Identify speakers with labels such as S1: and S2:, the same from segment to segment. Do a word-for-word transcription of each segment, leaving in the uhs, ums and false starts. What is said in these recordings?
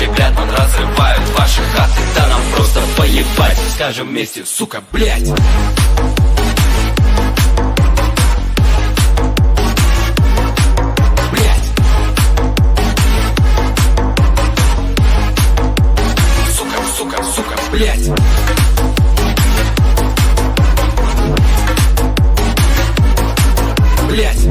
S1: щеплят, он разрывают ваши хаты. Да нам просто поебать, скажем вместе, сука, блять. Блять. Блять.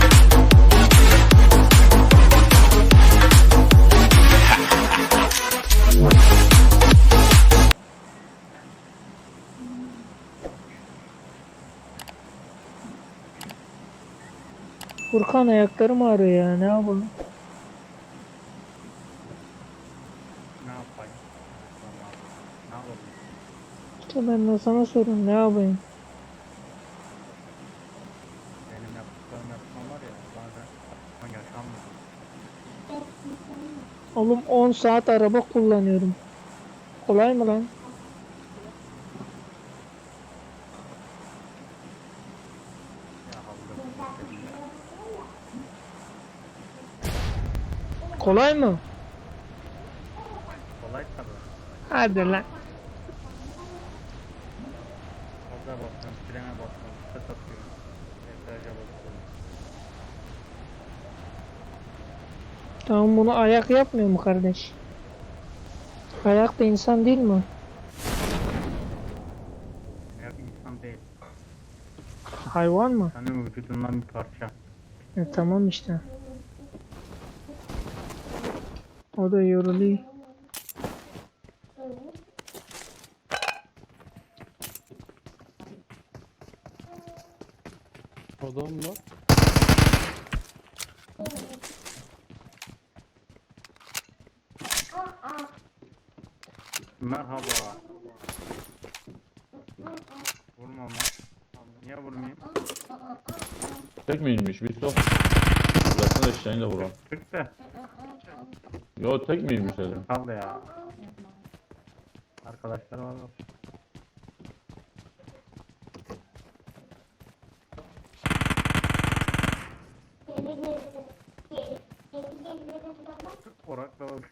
S2: Furkan ayaklarım ağrıyor ya, ne yapalım?
S3: Ne yapayım? Ne yapalım?
S2: İşte ben de sana sorun, ne yapayım?
S3: Benim yaptıklarım yapmam var ya bazen aklıma yaşanmıyor.
S2: Oğlum on saat araba kullanıyorum. Kolay mı lan?
S3: Ya havlu.
S2: Kolay mı?
S3: Kolay tabii.
S2: Hadi lan.
S3: Gaza basıyorum, frene basıyorum, ses atıyorum. Debriyaja basıyorum.
S2: Tamam, bunu ayak yapmıyor mu kardeş? Ayak da insan değil mi?
S3: Ayak insan değil.
S2: Hayvan mı?
S3: Senin vücudundan bir parça.
S2: E, tamam işte. O da yoruluyor.
S4: Adam mı?
S3: Merhaba. Vurma ama. Niye vurmayayım?
S4: Tek mi inmiş? Bir sok. Bıraksana eşeğini de vuran.
S3: Türk de.
S4: Yo, tek mi inmiş dedim.
S3: Kaldı ya. Arkadaşlar var. Orakla bak.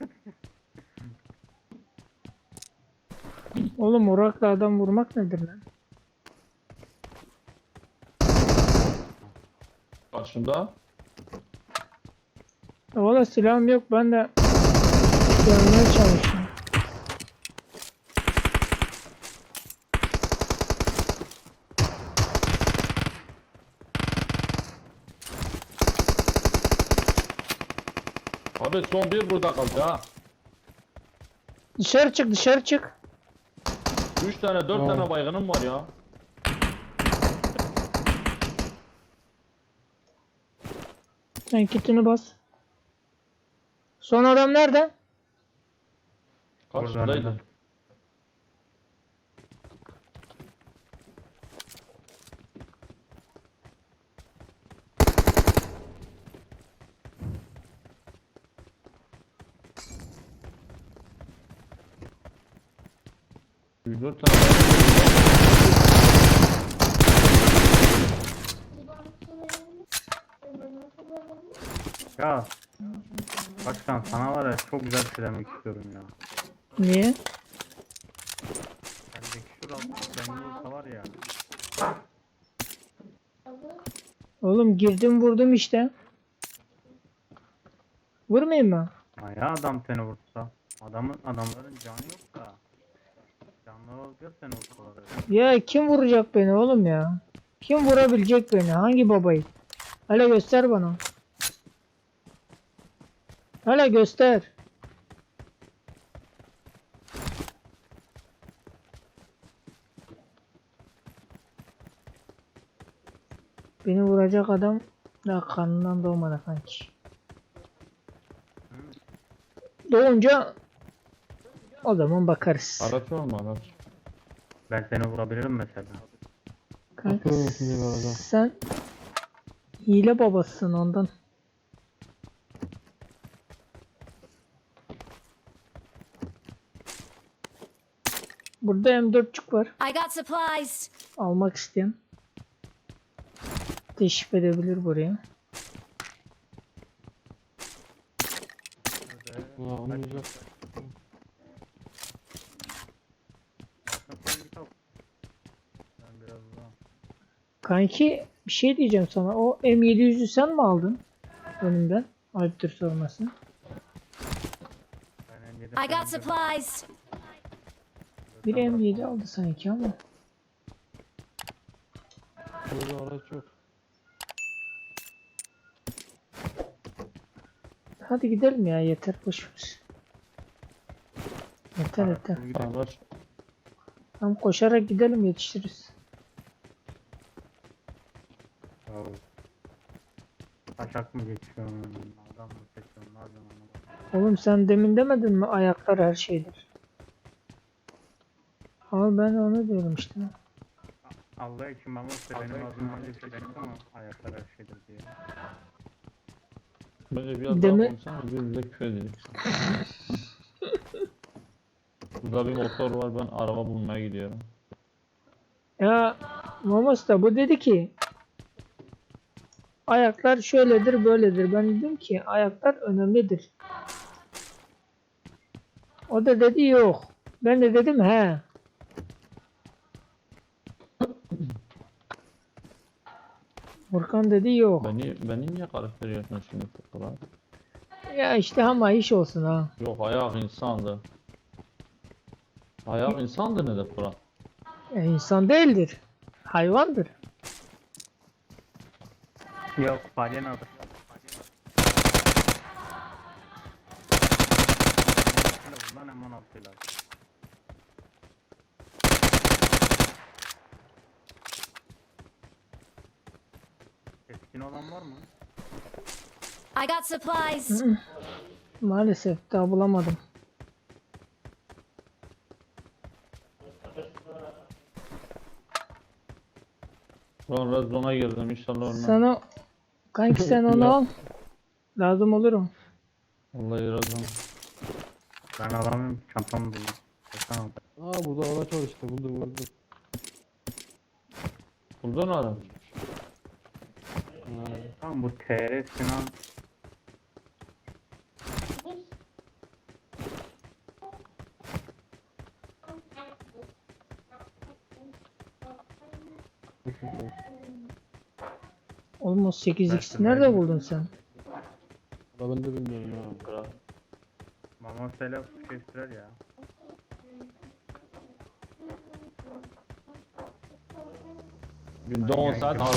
S2: Oğlum orakla adam vurmak nedir lan?
S4: Karşımda.
S2: Ya valla silahım yok, ben de yanmaya çalışıyorum.
S4: Abi son bir burada kaldı ha.
S2: Dışarı çık, dışarı çık.
S4: Üç tane dört
S2: Tamam.
S4: tane baygınım var ya.
S2: Sen kitini bas. Son adam nerede?
S4: Karşımdaydı. Üç dört tane
S3: Ya. Başkan sana var ya çok güzel bir şey demek istiyorum ya.
S2: Niye?
S3: Bendeki şurası kendi olsa var ya.
S2: Oğlum girdim vurdum işte. Vurmayayım mı?
S3: Ha ya adam seni vursa. Adamın adamların canı yok da. Canları olacak seni vursalar.
S2: Ya kim vuracak beni oğlum ya? Kim vurabilecek beni? Hangi babayı? Hele göster bana. Hele göster. Beni vuracak adam daha kanından doğmadı sanki. Doğunca o zaman bakarız.
S4: araç var mı araç?
S3: Ben seni vurabilirim mesela.
S2: Kanka, sen hile babasısın ondan. Burada M dörtçük var.
S5: I got supplies.
S2: Almak isteyen teşrif edebilir buraya.
S4: Ulan onu güzel.
S2: Kanki bir şey diyeceğim sana. O M yedi yüzü sen mi aldın? Önümden. Ayıptır sorması.
S3: Ben yedi
S5: I got
S3: falan
S5: supplies.
S2: Bir M yedi aldı sanki ama.
S6: Burada araç yok.
S2: Hadi gidelim ya, yeter, boş ver. Yeter yeter.
S4: Araç.
S2: Tamam, koşarak gidelim, yetişiriz.
S3: Oh. Taşak mı geçiyor? Adam mı seçiyor? Ne yapıyorsun anlamadım.
S2: Oğlum sen demin demedin mi ayaklar her şeydir? Ama ben onu diyorum işte.
S3: Allah için ben olsa benim ağzımdan öyle bir şey çıktı ama ayaklar her şeydir diye.
S4: Bence biraz
S2: Deme-
S4: daha konuşsana, birbirimize küfür edelim. Burada bir motor var, ben araba bulmaya gidiyorum.
S2: Ya Momos da bu dedi ki ayaklar şöyledir böyledir. Ben dedim ki ayaklar önemlidir. O da dedi yok. Ben de dedim he. Furkan dedi yok.
S4: Beni, beni niye karıştırıyorsun şimdi Furkan?
S2: Ya işte ama iş olsun ha.
S4: Yok, ayak insandı. Ayak insandı ne de Furkan?
S2: Ya insan değildir. Hayvandır.
S3: Yok balinadır. Bundan hemen altıyla. Keskin olan var mı?
S5: I got supplies.
S2: Maalesef daha bulamadım.
S4: Lan red zone'a girdim, inşallah ölmem.
S2: Sen o kanki sen onu al. Lazım olurum.
S4: Vallahi red zone.
S3: Ben alamıyorum, çantamı buldum. Tamam.
S6: Aa burada araç var işte, buldum buldum.
S4: Buldun mu adam?
S3: Tamam bu T R Sinan
S2: Oğlum o sekiz x nerede buldun sen?
S6: Valla ben de bilmiyorum ha.
S4: Kral.
S3: Mama selam şey sürer ya.
S4: Günde on saat araba.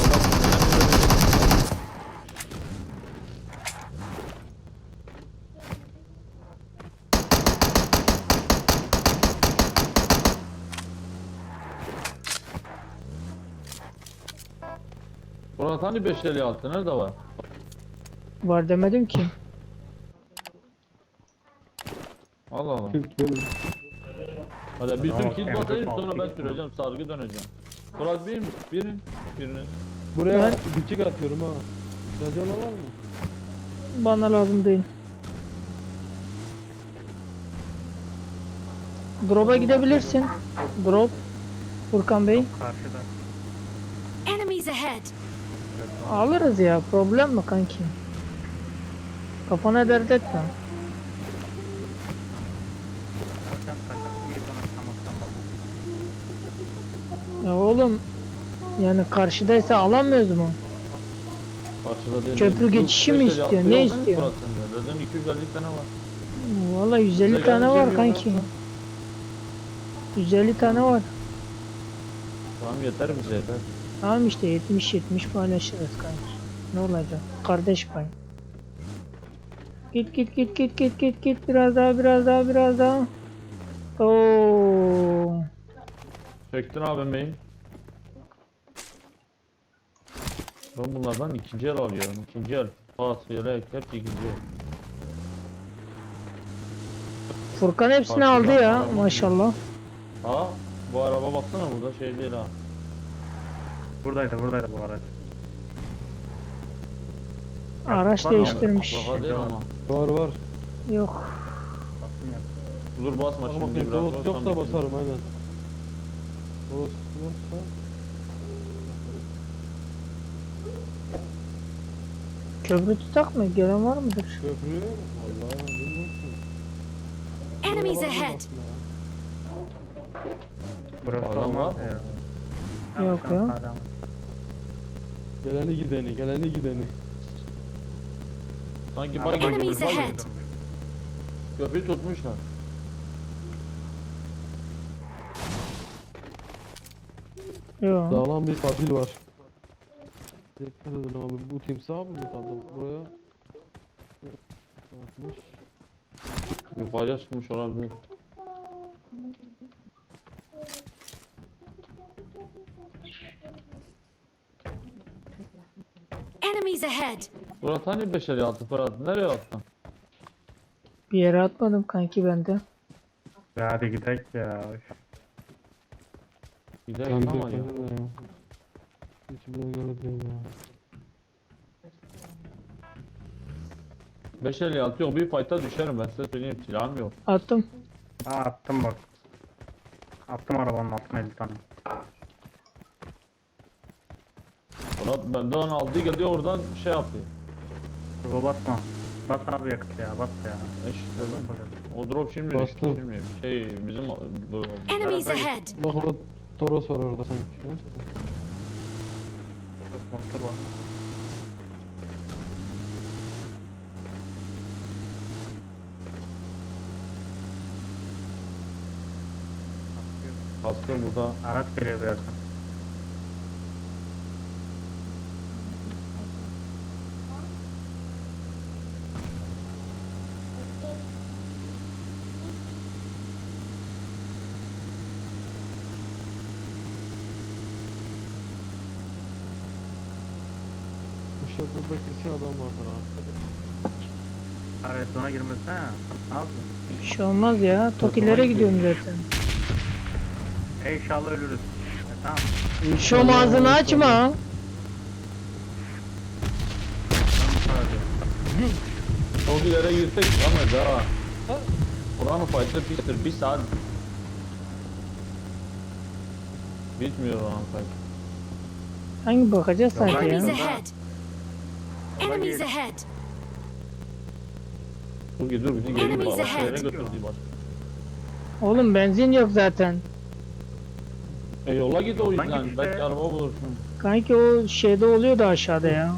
S4: Murat hani beş elli altı nerede var?
S2: Var demedim ki.
S4: Allah Allah.
S6: Türk benim.
S4: Hadi bir
S3: Tamam,
S4: tüm kill
S3: evet,
S4: batayım
S3: altı
S4: sonra ben
S3: kill
S4: süreceğim, sargı döneceğim. Murat bir birin birini.
S6: Buraya
S2: Ben-
S6: dikik atıyorum ha. Radyola var mı?
S2: Bana lazım değil. Drop'a gidebilirsin. Drop. Furkan Bey.
S3: Karşıda.
S5: Enemies ahead.
S2: Alırız ya. Problem mi kanki? Kafana dert etme.
S3: Zaten kaçak bir bana tamamsan bak.
S2: Ya oğlum. Yani karşıdaysa alamıyoruz mu?
S4: Karşıda değil.
S2: Köprü
S4: Yok,
S2: geçişi mi
S4: beş elli
S2: istiyor,
S4: altı
S2: ne
S4: yok değil mi
S2: istiyor?
S4: Murat sende? Zaten iki yüz elli tane var.
S2: Valla yüz elli
S4: Bize
S2: tane
S4: gelince
S2: var
S4: bir
S2: kanki.
S4: yola-
S2: yüz elli tane var.
S4: Tamam yeter bize yeter.
S2: Tamam işte yetmiş yetmiş paylaşırız kanki. Ne olacak? Kardeş pay. Git git git git git git git biraz daha biraz daha biraz daha. Oo.
S4: Çektin abim beyim. Ben bunlardan ikinci el alıyorum. İkinci el. Pas, yelek, hep ikinci el.
S2: Furkan hepsini
S4: Farklı
S2: aldı ya
S4: yapmalar.
S2: maşallah.
S4: Ha, bu araba baksana burada şey değil ha.
S3: Buradaydı buradaydı bu araç.
S2: Araç
S3: Var mı?
S2: değiştirmiş.
S4: Baba değil ama.
S6: Var var.
S2: Yok.
S3: Bastım ya.
S4: Dur basma
S6: Bak
S4: şimdi
S6: bakayım,
S4: biraz.
S6: dolos
S4: sonra
S6: yoksa
S4: bitir.
S6: basarım aynen. Dolos yoksa.
S2: Köprü tutak mı? Gelen var mıdır?
S6: Köprü. Vallahi bilmiyorum ki.
S5: Enemies
S6: Buraya
S5: ahead.
S6: bakma ya.
S3: Burası
S4: Adam
S3: olmaz
S4: var mı?
S3: ya.
S2: Yok
S3: Tamam,
S2: ya.
S3: adam.
S6: Geleni gideni, geleni gideni.
S4: Sanki
S3: Araba
S4: bak
S5: Enemies
S3: gibi
S5: ahead.
S3: durmuş.
S4: köprüyü tutmuşlar.
S2: Yok.
S6: Sağlam bir katil var. Dikkat edin abi, bu timsah mı kaldı buraya? Atmış.
S4: Yukarıya çıkmış olabilir.
S5: Enemies ahead.
S4: Murat hani beş elli altı Fırat? Nereye attın?
S2: Bir yere atmadım kanki bende.
S3: Ya hadi gidelim ya.
S4: Gidelim
S6: Ben
S4: ama
S6: de
S4: ya.
S6: ya. Hiç bile göre değil ya.
S4: beş elli altı yok, bir fight'a düşerim ben size söyleyeyim, silahım yok.
S2: Attım.
S3: Aa attım bak. Attım arabanın altına elli tane.
S4: Murat benden aldı geldi oradan şey yaptı.
S3: Dur basma. Bas abi yakıt ya bas ya.
S4: İşte o drop şimdi
S6: Bastım.
S4: şimdi şey bizim bu
S5: Enemies ahead.
S6: Bak orada Toros var orada sanki.
S3: Motor var.
S4: kaskı burada.
S3: Araç geliyor birazdan.
S6: Bu şarkıda kesin adam vardır ha.
S3: Araya sona girmesine ya. Ne yapıyorsun?
S2: Bir şey olmaz ya. Tokilere gidiyorum zaten.
S3: E inşallah ölürüz. E, tamam.
S2: Şu ağzını açma.
S3: Ben bu kadar diyorum.
S4: Çok ileri girsek ama daha. Buranın fight'ı pistir, bir saat. Bitmiyor oranın fight.
S2: Hangi bakacağız sanki
S5: Enemies
S2: ya?
S5: ahead. Enemies ahead.
S4: Dur dur bizi geri
S5: Enemies
S4: başka
S5: ahead.
S4: yere götürdü başka.
S2: Oğlum benzin yok zaten.
S4: E yola git o
S3: Yoldan
S4: yüzden,
S3: git işte.
S4: belki araba bulursun.
S2: Kanki o şeyde oluyordu aşağıda ya.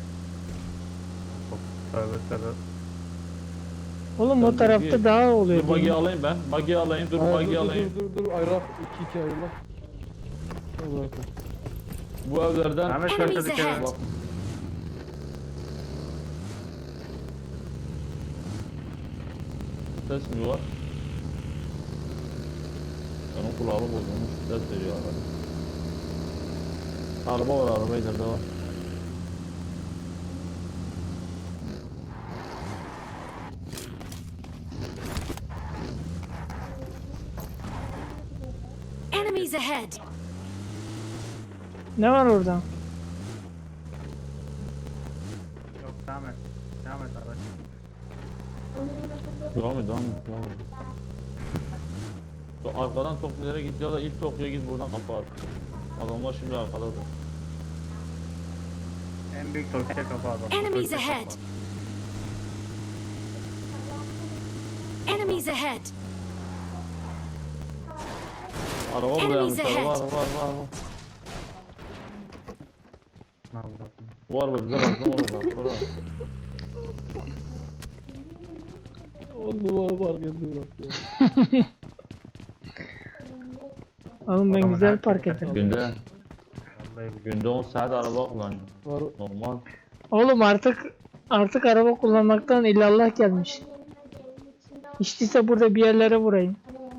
S3: Tövbe tövbe.
S2: Oğlum
S4: Tabii
S2: o tarafta
S4: ki.
S2: daha
S4: Dur
S2: oluyordu.
S4: bug'i alayım ben, bug'i alayım, dur
S6: Hayır,
S4: bug'i
S6: dur,
S4: alayım.
S6: dur dur dur ayrılak. iki iki ayrılak. Hadi bakalım.
S4: Bu evlerden
S3: Ahmet şöyle
S5: Enemies
S3: dikkat
S5: ahead.
S3: et.
S4: ses mi var? Onun kulağı bozulmuş, ses veriyor araba. Araba var, araba ileride var.
S5: Enemies ahead.
S2: Ne var orada?
S3: Yok devam et. Devam et araç.
S4: Devam et, devam et, devam et. Şu arkadan Tokyo'ya git ya da ilk Tokyo'ya git, buradan kapı at. Adamlar şimdi arkadadır.
S3: En büyük Türkiye kapı adam.
S5: Enemies
S3: Türkiye
S5: ahead.
S3: kapı.
S5: Enemies ahead.
S4: Araba buraya
S5: Enemies
S4: yapmış, araba,
S5: ahead.
S4: araba, araba, araba.
S3: Ne yapıyorsun?
S4: Var mı? Bize baktım orada. Orada.
S6: On numara var geldi bırak ya.
S2: Oğlum ben
S3: Adamın
S2: güzel
S3: her
S2: park
S3: türlü
S2: ederim.
S4: Günde,
S3: Vallahi bu-
S4: günde on saat araba kullanıyor.
S6: Var.
S4: Normal.
S2: Oğlum artık artık araba kullanmaktan illallah gelmiş. Hiç değilse burada bir yerlere vurayım.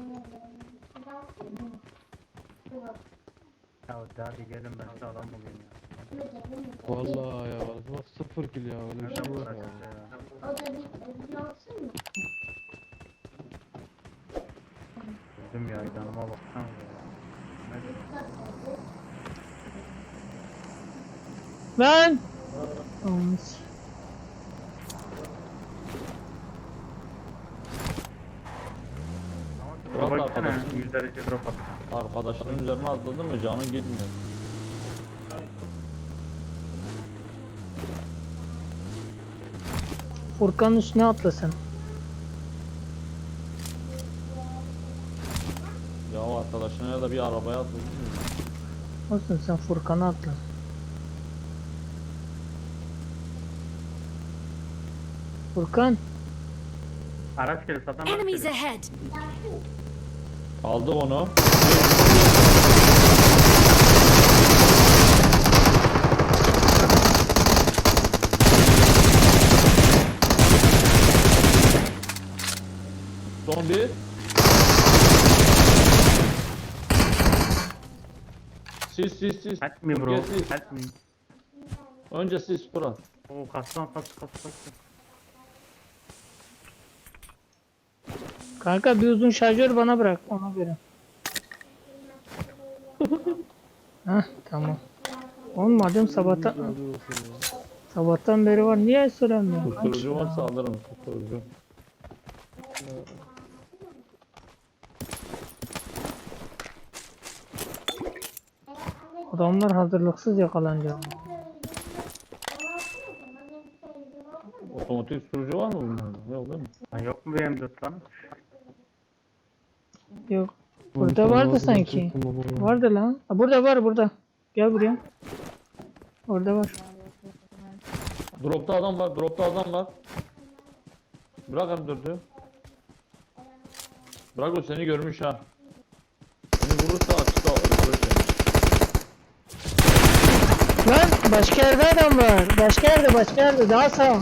S3: Ya hadi gelin ben size adam bulayım ya.
S6: Vallahi ya. Bak sıfır kill ya. Öyle bir
S3: Nerede
S6: şey
S3: bu
S6: yok
S3: araç
S6: ya.
S3: ya? Öldüm ya canıma baksana ya. Ne-
S2: Lan! Olmuş.
S3: Ama
S4: Drop
S3: drop baksana.
S4: arkadaşım.
S3: yüz derece drop at.
S4: Arkadaşların üzerine atladı mı canın gitmiyor.
S2: Furkan'ın üstüne atlasın.
S4: Ya o arkadaşına ya da bir arabaya atladı mı?
S2: Olsun sen Furkan'a atla. Furkan.
S3: Araç geliyor zaten. araç
S5: Enemies
S3: geliyor.
S5: ahead.
S4: Aldı onu. Son bir. Sis sis sis.
S3: Help me bro.
S4: Türkiye sis.
S3: Help me.
S4: Önce sis Fırat.
S3: Oo kastan kas kas kas.
S2: Kanka bir uzun şarjör bana bırak ona göre. Hah tamam. Olmadım sabahtan
S6: Razı olsun ya.
S2: sabahtan beri var. Niye söylemiyorsun?
S4: Kusturucu varsa alırım kusturucu.
S2: Adamlar hazırlıksız yakalanacak.
S4: Otomatik kusturucu var mı bunlarda? Yok değil mi?
S3: Lan yok mu benim dört lan?
S2: Yok.
S6: Bu
S2: Burada
S6: bir tane
S2: vardı
S6: ağzına
S2: sanki.
S6: çektim baba ya.
S2: Vardı lan. Ha, burada var burada. Gel buraya. Orada var.
S4: Dropta adam var, dropta adam var. Bırak M dördü. Bırak o seni görmüş ha. Seni vurursa açıkta öldürür seni.
S2: Lan başka yerde adam var. Başka yerde başka yerde daha sağ.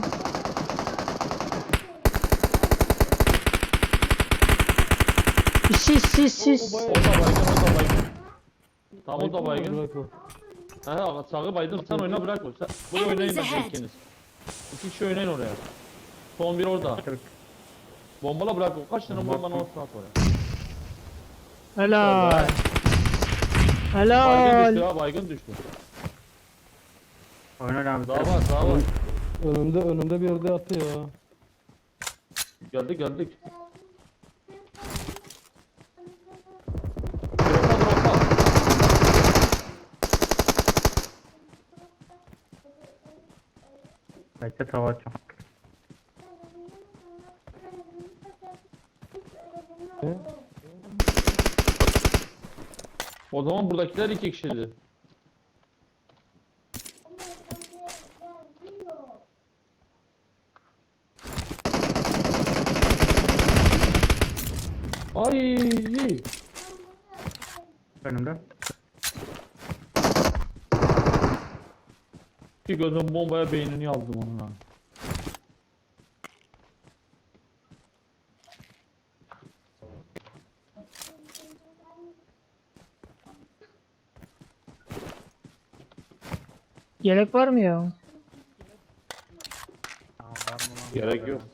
S2: Sis sis sis.
S4: O da baygın, o da baygın. Tam o da baygın.
S6: Bırak o.
S4: Ha, sağı baydın sen oyna bırak o. Sen, buraya oynayın da
S5: ahead.
S4: ikiniz. İki kişi oynayın oraya. Son bir orada. Bombala bırak o. Kaç tane bombanın olsun at oraya.
S2: Helal.
S4: Baygın
S2: Helal.
S4: düştü ha, baygın düştü.
S3: Oyna abi.
S4: Daha var, daha var.
S6: Önümde önümde bir yerde attı ya.
S4: Geldik, geldik. Dropta, dropta.
S3: Bekle tava açacağım.
S6: Ne?
S4: O zaman buradakiler iki kişiydi. Ay!
S3: Önümde.
S4: Bir gözüm bombaya beynini yazdım onun ha.
S2: Yelek var mı ya?
S3: Tamam, var mı lan?
S4: Gerek yok.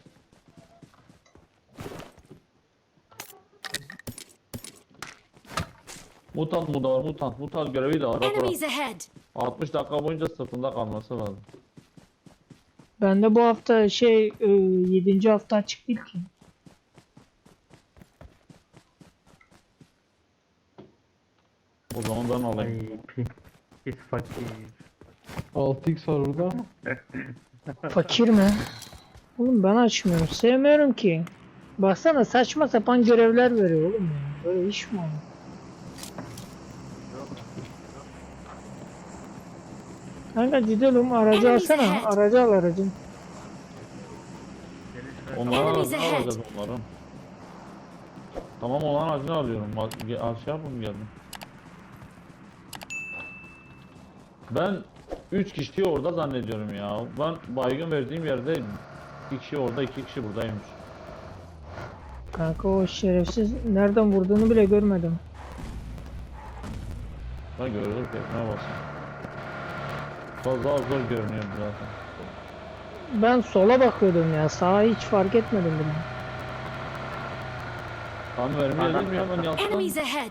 S4: Mutant mu da var, mutant. Mutant görevi de var. Bak bak.
S5: Enemies ahead.
S4: altmış dakika boyunca sırtında kalması lazım.
S2: Ben de bu hafta şey e, yedinci hafta açık değil ki.
S4: O zaman ben alayım.
S3: Ay pis. Pis fakir.
S6: altı x var orada.
S2: Fakir mi? Oğlum ben açmıyorum. Sevmiyorum ki. Baksana saçma sapan görevler veriyor oğlum ya. Böyle iş mi olur? Kanka gidelim aracı
S5: Enemies
S2: alsana.
S5: ahead.
S2: Aracı al aracı.
S4: Onları
S5: Enemies
S4: ne
S5: ahead.
S4: alacağız onların? Tamam olan acını alıyorum. Bak, ge- Aşağı yapın geldim. Ben üç kişiyi orada zannediyorum ya. Ben baygın verdiğim yerdeydim. iki kişi orada, iki kişi buradaymış.
S2: Kanka o şerefsiz nereden vurduğunu bile görmedim.
S4: Ben gördüm ki ne basın. Fazla az zor görünüyor zaten.
S2: Ben sola bakıyordum ya. Sağa hiç fark etmedim bile.
S4: Tam vermiyor değil mi ya ben yaptım.
S5: Enemies ahead.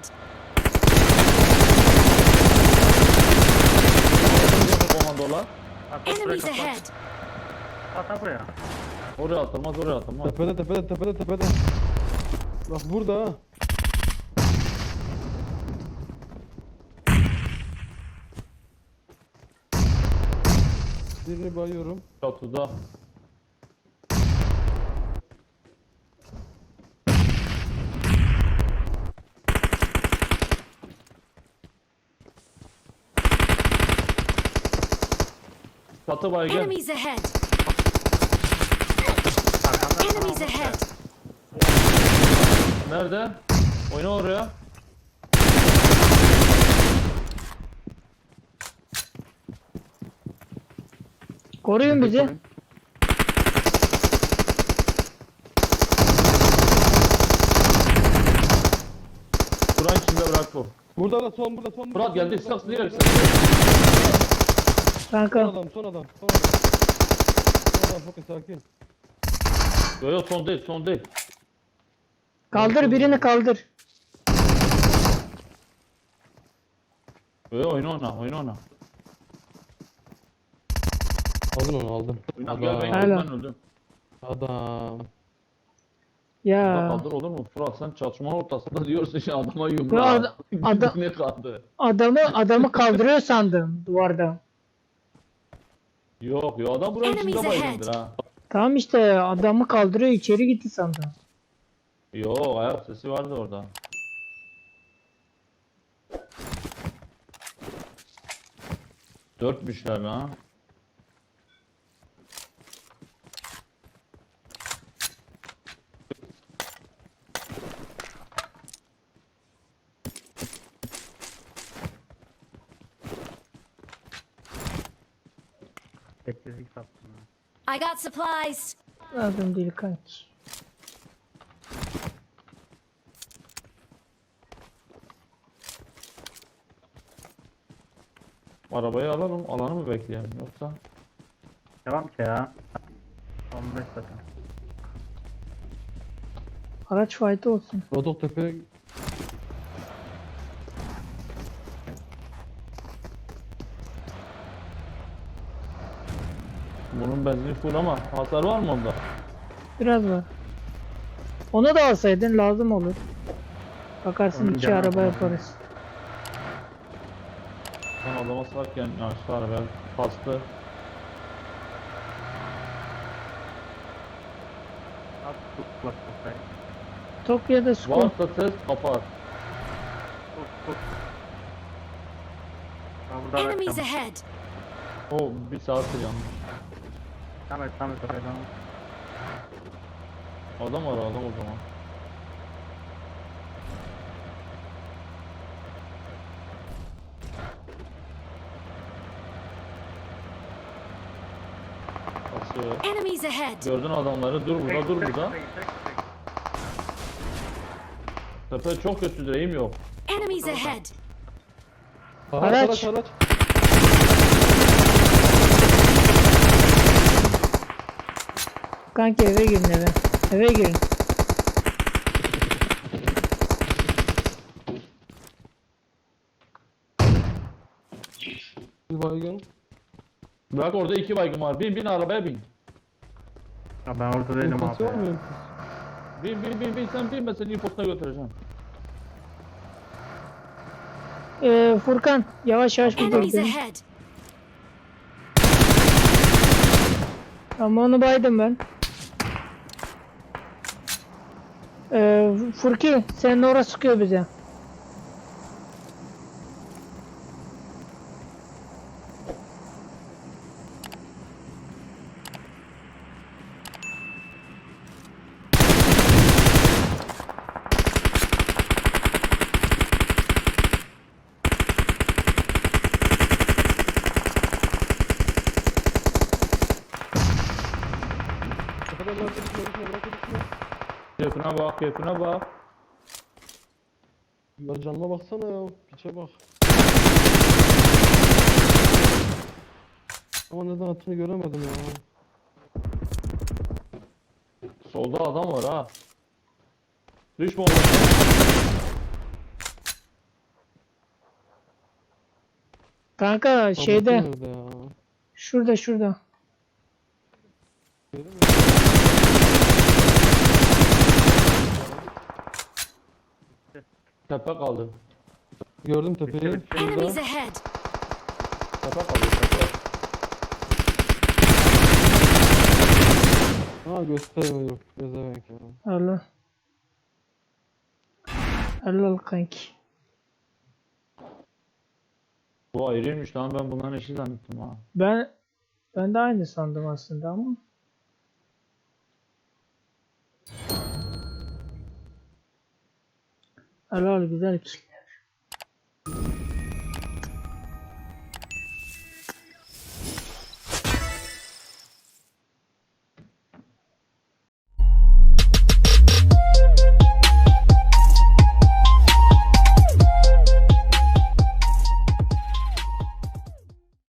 S4: Komandolar.
S3: At, at, buraya
S5: Enemies
S3: kapat.
S5: ahead.
S3: At at buraya.
S4: Oraya atılmaz, oraya atılmaz.
S6: Tepede tepede tepede tepede. Bak burada ha. Birini bayıyorum.
S4: Çatıda. Çatı baygın.
S5: Enemies ahead. Enemies ahead!
S4: Nerede? Oyna oraya.
S2: Koruyun bizi.
S4: Kur'an içinde bırak bu.
S6: Burada da son burada son.
S4: Murat geldi. Sık sık sık.
S6: Son
S2: Kanka
S6: adam son adam. Son adam. Son adam Furkan sakin.
S4: Yok yok son değil son değil.
S2: kaldır birini kaldır.
S4: Yok yok oyna ona oyna ona.
S6: Aldın onu aldın.
S4: Oyna gel ben
S6: Adam.
S4: öldüm
S2: Hala.
S4: ben öldüm.
S6: Adam.
S4: Burada
S2: Ya
S4: kaldır olur mu? Fırat sen çatışma ortasında diyorsun ya adama
S2: Ya
S4: yumruğa.
S2: ad- adam-
S4: Ne kaldı?
S2: adamı adamı kaldırıyor sandım duvarda.
S4: Yok yok adam buranın içinde
S5: Enemies ahead.
S4: baygındır ha.
S2: Tamam işte adamı kaldırıyor içeri gitti sandım.
S4: Yok ayak sesi vardı orada. Dörtmüşler ha.
S3: Sessizlik sattım ha.
S5: I got supplies!
S2: Lazım değil kanki.
S4: Arabayı alalım, alanı mı bekleyelim yoksa?
S3: Devam ki ya. on beş dakika.
S2: Araç fayda olsun.
S6: Rodok Tepe
S4: Bunun benzini full ama hasar var mı onda?
S2: Biraz var. Onu da alsaydın lazım olur. Bakarsın
S3: Onun
S2: iki
S3: canı
S2: araba
S3: almaz.
S2: yaparız.
S4: Sen adama sarken aşağı araba bastı.
S3: At tut bak bak.
S2: Tokyo'da skor.
S4: Varsa ses kapat.
S3: Tut tut. Ha burada
S5: Enemies
S3: bırakacağım.
S5: ahead!
S4: O bir saattir yanmış.
S3: Tamam et tamam et oraya tamam.
S4: Adam var adam o zaman. Basıyor.
S5: Enemies ahead!
S4: Gördün adamları. Dur burada dur burada. Tepe çok kötü direğim yok.
S5: Enemies ahead!
S6: Araç
S2: Araç.
S6: araç araç.
S2: Kanki eve girin eve. Eve girin.
S6: Bir baygın.
S4: Bırak orada iki baygın var. Bin bin arabaya bin.
S3: Ya ben orada değilim
S6: İnfaz
S3: abi.
S6: var mı?
S3: ya.
S4: Bin bin bin bin sen bin ben seni infosuna götüreceğim.
S2: Ee, Furkan yavaş yavaş
S5: Enemies
S2: gidelim.
S5: ahead!
S2: Ama onu baydım ben. Ee, Furki senin orası sıkıyor bize.
S6: Tepeden bırak düşme düşme bırak düşme.
S4: Keyfine bak keyfine bak.
S6: Ya canına baksana ya. Piçe bak. Ama neden attığını göremedim ya.
S4: Solda adam var ha. Düşme oraya.
S2: Kanka şeyde
S6: Nerede ya?
S2: şurada şurada.
S6: Gördün mü?
S4: Tepe kaldı.
S6: Gördüm tepeyi.
S5: Enemies
S6: Şurada.
S5: ahead!
S4: Tepe kaldı tepe.
S6: Ha göstermiyor. Gezemek ya.
S2: Allah. Allah kanki.
S4: Bu ayrıymış lan ben bunların eşi zannettim ha.
S2: Ben ben de aynı sandım aslında ama. Helal güzel kill.